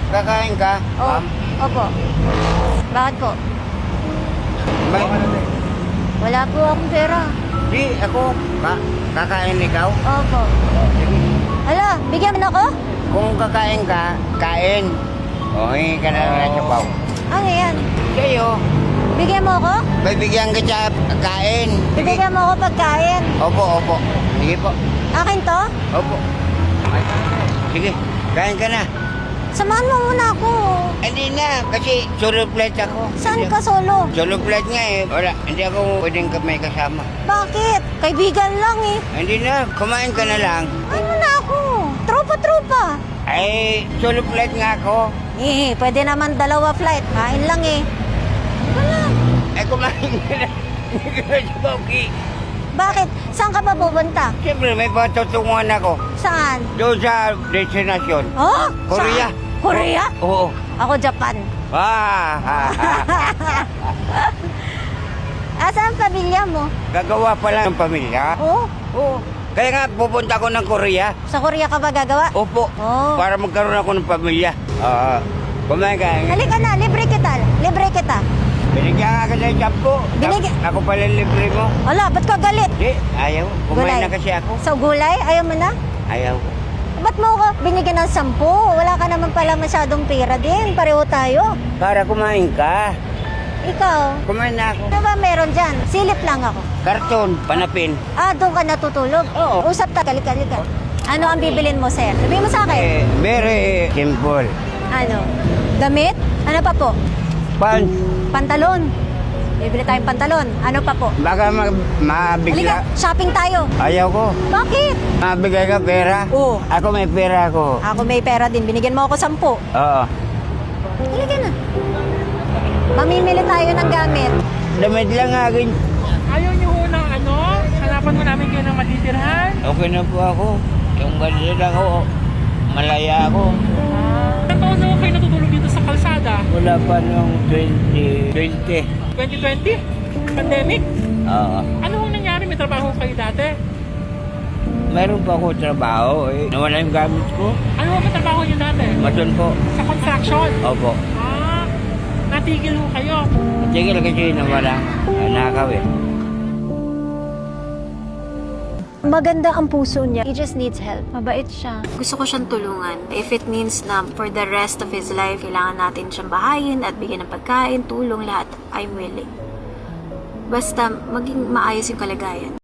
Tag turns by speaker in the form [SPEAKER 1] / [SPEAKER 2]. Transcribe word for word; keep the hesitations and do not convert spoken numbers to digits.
[SPEAKER 1] Kakain ka?
[SPEAKER 2] Oh,
[SPEAKER 1] Ma'am?
[SPEAKER 2] opo. Bakit po?
[SPEAKER 1] May...
[SPEAKER 2] Wala po akong pera.
[SPEAKER 1] Di, ako. Ka kakain ikaw?
[SPEAKER 2] Opo.
[SPEAKER 1] Sige.
[SPEAKER 2] Hala, bigyan mo na ako?
[SPEAKER 1] Kung kakain ka, kain. O, hingi ka na lang ng sabaw.
[SPEAKER 2] Ano yan?
[SPEAKER 1] Sa'yo,
[SPEAKER 2] Bigyan mo ako?
[SPEAKER 1] bibigyan ka sa kain. Sige.
[SPEAKER 2] Bibigyan mo ako pagkain.
[SPEAKER 1] Opo, opo. Sige po.
[SPEAKER 2] Akin to?
[SPEAKER 1] Opo. Sige, kain ka na.
[SPEAKER 2] Samahan mo muna ako.
[SPEAKER 1] Hindi na, kasi solo flight ako.
[SPEAKER 2] Saan
[SPEAKER 1] Hindi-
[SPEAKER 2] ka solo?
[SPEAKER 1] Solo flight nga eh. Wala, hindi ako pwedeng ka- may kasama.
[SPEAKER 2] Bakit? Kaibigan lang eh.
[SPEAKER 1] Hindi na, kumain ka na lang.
[SPEAKER 2] Ay mo na ako. Tropa-tropa.
[SPEAKER 1] Ay, solo flight nga ako.
[SPEAKER 2] Eh, pwede naman dalawa flight. Kain lang eh. Wala.
[SPEAKER 1] Ay, kumain ka na. Hindi ka na sa Bauki.
[SPEAKER 2] Bakit? Saan ka pa pupunta?
[SPEAKER 1] Siyempre, may patutunguhan ako.
[SPEAKER 2] Saan?
[SPEAKER 1] Doon sa destinasyon.
[SPEAKER 2] Oh?
[SPEAKER 1] Korea.
[SPEAKER 2] Saan? Korea?
[SPEAKER 1] Oo.
[SPEAKER 2] Ako Japan.
[SPEAKER 1] Ah, ha, ha.
[SPEAKER 2] Asan ang pamilya mo?
[SPEAKER 1] Gagawa pa lang ng pamilya.
[SPEAKER 2] Oh,
[SPEAKER 1] Oo. Kaya nga, pupunta ako ng Korea.
[SPEAKER 2] sa Korea ka ba gagawa?
[SPEAKER 1] Opo.
[SPEAKER 2] Oh.
[SPEAKER 1] Para magkaroon ako ng pamilya. Ah, kumain ka.
[SPEAKER 2] Halika na, libre kita. Libre kita.
[SPEAKER 1] Binigyan ka kasi ng job ko.
[SPEAKER 2] Binigyan-
[SPEAKER 1] Ako pala libre mo.
[SPEAKER 2] Ala, ba't ka galit?
[SPEAKER 1] Di, ayaw. Kumain na kasi ako.
[SPEAKER 2] Sa gulay? Ayaw mo na?
[SPEAKER 1] Ayaw ko.
[SPEAKER 2] Ba't mo ko binigyan ng sampu? Wala ka naman pala masyadong pera din. Pareho tayo.
[SPEAKER 1] Para kumain ka.
[SPEAKER 2] Ikaw,
[SPEAKER 1] Kumain na ako.
[SPEAKER 2] ano ba meron dyan? Silip lang ako.
[SPEAKER 1] Karton, panapin.
[SPEAKER 2] Ah, doon ka natutulog?
[SPEAKER 1] Oo.
[SPEAKER 2] Usap ta, halika, halika. Ano ang bibilin mo, sir? Sabihin mo sa akin.
[SPEAKER 1] Eh, very simple.
[SPEAKER 2] Ano? Damit? Ano pa po?
[SPEAKER 1] Pants.
[SPEAKER 2] Pantalon. Bibili tayong pantalon. Ano pa po?
[SPEAKER 1] Baka ma
[SPEAKER 2] Halika,
[SPEAKER 1] mabigla.
[SPEAKER 2] shopping tayo.
[SPEAKER 1] Ayaw ko.
[SPEAKER 2] Bakit?
[SPEAKER 1] Mabigay ka pera.
[SPEAKER 2] Oo.
[SPEAKER 1] Ako may pera ako.
[SPEAKER 2] Ako may pera din. Binigyan mo ako sampu.
[SPEAKER 1] Oo.
[SPEAKER 2] Halika na. Mamimili tayo ng gamit.
[SPEAKER 1] Damit lang akin.
[SPEAKER 3] Ayaw niyo ho ng ano? Hanapan mo namin kayo ng matitirhan?
[SPEAKER 1] Okay na po ako. Yung ganyan ako, malaya ako.
[SPEAKER 3] Ah. Ilang taon na ho kayo natutulog dito sa kalsada?
[SPEAKER 1] Wala pa nung twenty twenty.
[SPEAKER 3] twenty twenty? Pandemic?
[SPEAKER 1] Oo.
[SPEAKER 3] Ano hong nangyari? May trabaho kayo dati?
[SPEAKER 1] Meron pa ako trabaho eh. Nawala yung gamit ko.
[SPEAKER 3] Ano hong trabaho niyo dati?
[SPEAKER 1] Maton po.
[SPEAKER 3] Sa construction?
[SPEAKER 1] Opo.
[SPEAKER 3] Ah, natigil ho kayo.
[SPEAKER 1] Tigil kasi nawala. Nakaw eh.
[SPEAKER 2] Maganda ang puso niya. He just needs help. Mabait siya. Gusto ko siyang tulungan. If it means na for the rest of his life, kailangan natin siyang bahayin at bigyan ng pagkain, tulong, lahat, I'm willing. Basta maging maayos yung kalagayan.